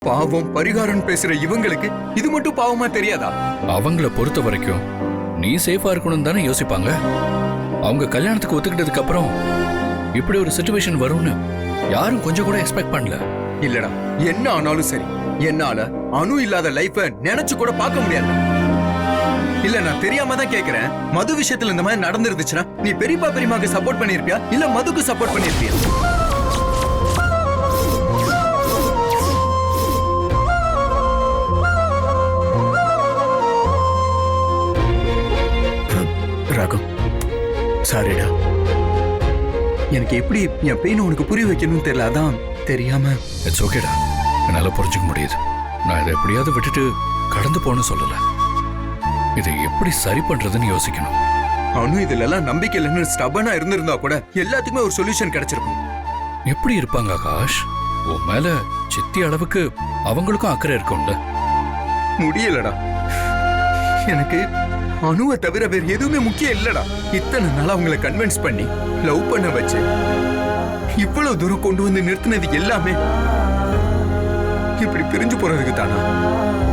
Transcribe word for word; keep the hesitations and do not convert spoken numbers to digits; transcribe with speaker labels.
Speaker 1: பாவம் பரிகாரம் பேசுற இவங்களுக்கு இது மட்டும் பாவமா தெரியாதா?
Speaker 2: அவங்கள பொறுத்த வரைக்கும் நீ சேஃபா இருக்கணும் தானே யோசிப்பாங்க. அவங்க கல்யாணத்துக்கு ஒத்துக்கிட்டதுக்கு அப்புறம் இப்படி ஒரு சிச்சுவேஷன் வரும்னு யாரும் கொஞ்சம் கூட எக்ஸ்பெக்ட் பண்ணல.
Speaker 1: இல்லடா, என்ன ஆனாலும் சரி, என்னால அணு இல்லாத லைஃப நினைச்சு கூட பார்க்க முடியாது. இல்ல, நான் தெரியாம தான் கேக்குறேன். மது விஷயத்துல இந்த மாதிரி நடந்துருந்துச்சுன்னா நீ பெரியப்பா பெரியமாக்கு சப்போர்ட் பண்ணிருப்பியா இல்ல மதுக்கு சப்போர்ட் பண்ணிருப்பியா? ராகம், சாரிடா. எனக்கு எப்படி என் பெயின் உனக்கு புரிய வைக்கணும்னு தெரியல, அதான் தெரியாம.
Speaker 2: இட்ஸ் ஓகேடா, என்னால புரிஞ்சுக்க முடியுது. நான் இதை எப்படியாவது விட்டுட்டு கடந்து போன்னு சொல்லல. இதை எப்படி சரி பண்றதுன்னு யோசிக்கணும்.
Speaker 1: அனு இதுல எல்லாம் நம்பிக்கை இல்லைன்னு ஸ்டபனா இருந்திருந்தா கூட எல்லாத்துக்குமே ஒரு சொல்யூஷன் கிடைச்சிருக்கும்.
Speaker 2: எப்படி இருப்பாங்க ஆகாஷ்? உன் மேல சித்தி அளவுக்கு அவங்களுக்கும் அக்கறை இருக்கும்ல.
Speaker 1: முடியலடா, எனக்கு அணுவை தவிர வேற எதுவுமே முக்கியம் இல்லடா. இத்தனை நாளா அவங்களை கன்வின்ஸ் பண்ணி லவ் பண்ண வச்சு இவ்வளவு தூரம் கொண்டு வந்து நிறுத்தினது எல்லாமே இப்படி பிரிஞ்சு போறதுக்கு தானா?